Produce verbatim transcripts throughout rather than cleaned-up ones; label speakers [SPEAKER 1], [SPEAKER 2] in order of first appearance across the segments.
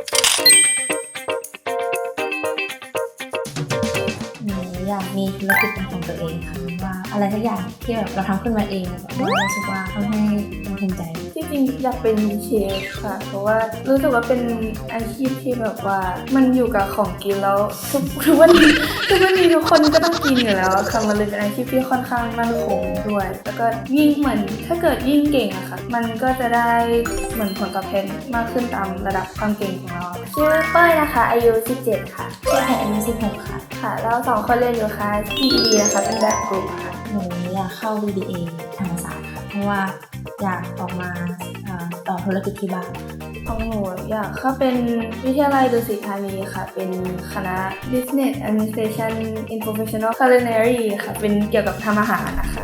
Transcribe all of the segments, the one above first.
[SPEAKER 1] หนูอยากมีธุรกิจเป็นของตัวเองค่ะว่าอะไรสักอย่างที่แบบเราทำขึ้นมาเองแบบเรารู้สึกว่าทำให้เราภูมิใจ
[SPEAKER 2] ที่จริงอยากเป็นเชฟค่ะเพราะว่ารู้สึกว่าเป็นอาชีพที่แบบว่ามันอยู่กับของกินแล้วทุกทุกวันนี้ทุกวันนี้ทุกคนก็ต้องกินอยู่แล้วค่ะมันเลยเป็นอาชีพที่ค่อนข้างมั่นคงด้วยแล้วก็ยิ่งเหมือนถ้าเกิดยิ่งเก่งอะค่ะมันก็จะได้เหมือนผลตอบแทนมากขึ้นตามระดับความเก่งของเราชื่อเป้ยนะคะอายุสิบเจ็ดค่ะ
[SPEAKER 1] ชื่อแพรอายุสิบหกค่ะ
[SPEAKER 2] ค่ะเราสองคนเรียนอยู่คลาส พี อี ดี นะคะเป็นแบบกลุ่มค่ะ
[SPEAKER 1] หนูอยากเข้า บี บี เอ ธรรมศาสตร์ค่ะเพราะว่าอยากออกมาต่อธุรกิจที่บ้าน
[SPEAKER 2] ของหนูอยากเข้าเป็นวิทยาลัยดุสิตธานีค่ะเป็นคณะ Business Administration in Professional Culinary ค่ะเป็นเกี่ยวกับทำอาหารนะคะ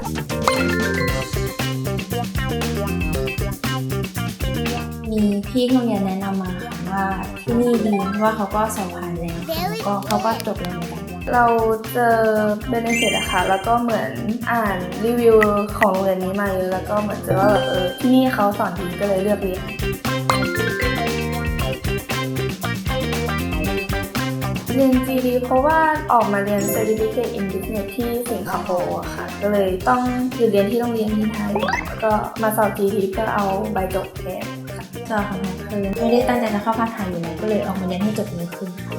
[SPEAKER 1] มีพี่ที่โรงเรียนแนะนำมาค่ะว่าที่นี่ดีเพราะว่าเขาก็สอบผ่านแล้วแล้วก็เขาก็จบแล้วเหมือนกัน
[SPEAKER 2] เราเจอเบเนฟิตอะค่ะแล้วก็เหมือนอ่านรีวิวของโรงเรียนนี้มาเยอะแล้วก็เหมือนเจอว่าแบบเออที่นี่เขาสอนดีก็เลยเลือกเรียนเรียน จี ดี เพราะว่าออกมาเรียน Certificate in Business ที่สิงคโปร์ค่ะก็เลยต้องหยุดเรียนที่โรงเรียนที่ไทยก็มาสอบ จี ดี เพื่อเอาใบจบแทนค่ะ
[SPEAKER 1] สอบของแพรคือไม่ได้ตั้งใจจะเข้าภาคไทยอยู่แล้วก็เลยออกมาเรียนให้จบเร็วขึ้นค่ะ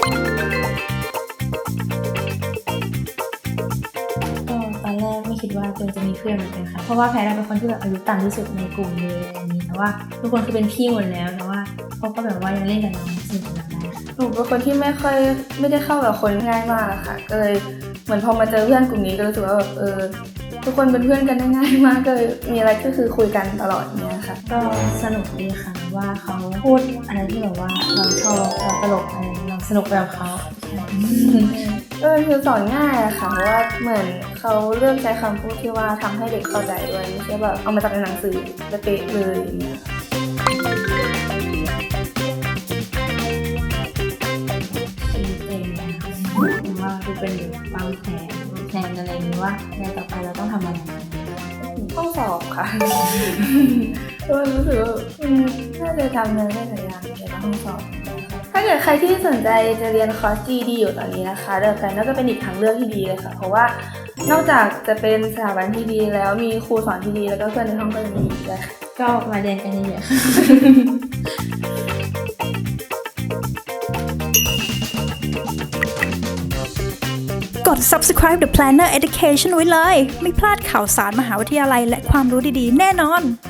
[SPEAKER 1] ตอนแรกไม่คิดว่าตัวเองจะมีเพื่อนเหมือนกันค่ะเพราะว่าแพรเป็นคนที่แบบอายุต่ำที่สุดในกลุ่มเลยอะไรนี้แต่ว่าทุกคนคือเป็นพี่หมดแล้วแต่ว่าเขาก็แบบว่ายังเล่นกับน้องสนุกกับน้องได้
[SPEAKER 2] หนูเป็นคนที่ไม่ค่อยไม่ได้เข้ากับคนง่ายมากค่ะก็เลยเหมือนพอมาเจอเพื่อนกลุ่มนี้ก็รู้สึกว่าแบบเออทุกคนเป็นเพื่อนกันได้ง่ายมากก็เลยมีอะไรก็คือคุยกันตลอดเนี้ยค่ะ
[SPEAKER 1] ก็สนุกดีค่ะว่าเขาพูดอะไรที่แบบว่าเราชอบเราตลกอะไรเราสนุกแบบเขา
[SPEAKER 2] ก็คือสอนง่ายอะค่ะเพราะว่าเหมือนเขาเลือกใช้คำพูดที่ว่าทำให้เด็กเข้าใจด้วยไม่ใช่แบบเอามาจากในหนังสือเป๊ะเลยอย่างเงี้ย
[SPEAKER 1] ชีวิตเองนะคะว่าดูเป็นวางแผนแผนอะไรอย่างนี้ว่าในต่อไปเราต้องทำอะไร
[SPEAKER 2] ต้องสอบค่ะก็รู้สึกว่าน่าจะทำงานได้หลายอย่างในห้องสอบถ้าเกิดใครที่สนใจจะเรียนคอร์ส จี ดี อยู่ตอนนี้นะคะเดอะแพลนน่าจะเป็นอีกทางเลือกที่ดีเลยค่ะเพราะว่านอกจากจะเป็นสถาบันที่ดีแล้วมีครูสอนที่ดีแล้วก็เพื่อนในห้องก็จะดีด้วย
[SPEAKER 1] ก็มาเรียนกันเยอะๆค่ะ
[SPEAKER 3] กด Subscribe The Planner Education ไว้เลยไม่พลาดข่าวสารมหาวิทยาลัยและความรู้ดีๆแน่นอน